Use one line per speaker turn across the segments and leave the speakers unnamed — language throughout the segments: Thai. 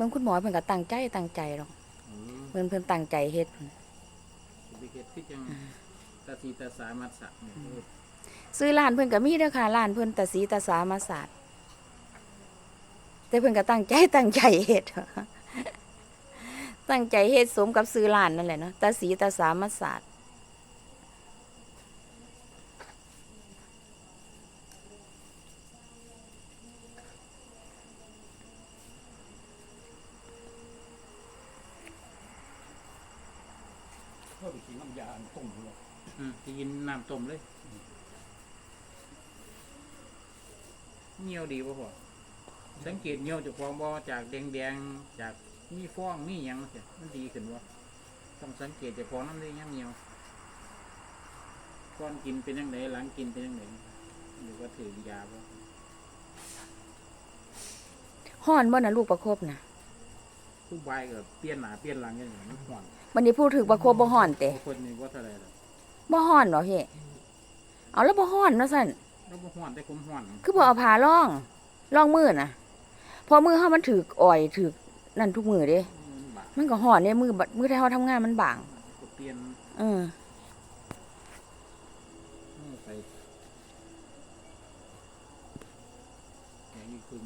บิ่งคุณหมอเพิ่นก็ตั้งใจหรอกเพิ่นตั้งใจเฮ็ด
ไปเฮ็ดคือจังตาสีตาสามัดสะเนี่ย
ซื้อร้านเพิ่นก็มีเด้อค่ะร้านเพิ่นตาสีตาสามาศาสตร์แต่เพิ่นก็ตั้งใจเฮ็ดตั้งใจเฮ็ดสมกับซื้อร้านนั่นแหละเนาะตาสีตาสามาศาสตร์
เพิ่มกินน้ำยาต้มเลย
กินน้ำต้มเลยเหนียวดีป่ะพ่อสังเกตเหนียวจากฟองบ่จากแดงจากมีฟองมีหยังเสียมันดีขึ้นวะต้องสังเกตจากฟองน้ำได้ยังเหนียวก่อนกินเป็นยังไงหลังกินเป็นยังไงหรือว่าถือยาป่ะ
ฮ้อนบ่น่ะลูกประคบน่ะ
ผู้ใบกับเปลี่ยนหนาเปลี่ยนหลังกันอย่างมันห่อน
บัดนี้พูดถึงประคบบ่ฮ้อนเตะ
คนนี้ว่าเท่าไรล่ะ
บ่ฮ้อนเหรอเฮ้เอาแล้วบ่ฮ้อนเนาะซั่น
แล้วบ่ห่อนแต่ผมห่อน
คือบ่เอาผ้าร่องมือน่ะพอมือเฮามันถึกอ่อยถึกนั่นทุกมือเด้มันก็ฮ้อนเด้มือที่เฮาทำงานมันบาง
เปลี่ยนไปอย่างนี้คือ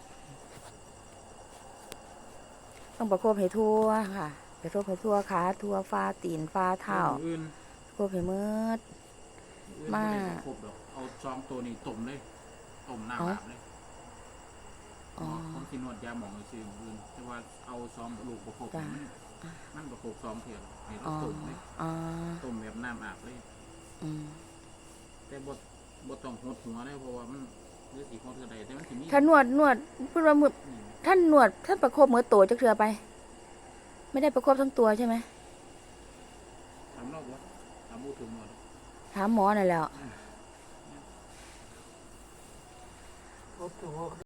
ต้องประคบให้ทั่วค่ะประคบให้ทั่วขาทั่วฟ้าตีนฟ้าเท้าประคบให้มืดมา
เอาซองตัวนี้ต้มเลยต้มน้ำอาบเลยผมสินวดยาหมองซื้ออื่นแต่ว่าเอาซองลูกประคบมันประคบซองเพียงให้เราต้มเลยต้มแบบน้ำอาบเลยแต่บดต้องหดหัวได้เพราะว่ามันเลือดสีของเธอใดแต่มันถึงนี้
ถ้านวดพูดว่าท่านประคบมือโตจะเทือไปไม่ได้ประคบทั้งตัวใช่ไหม
ถามนอกวะถามบูถึงหมด
ถามหมอนั่นแหละ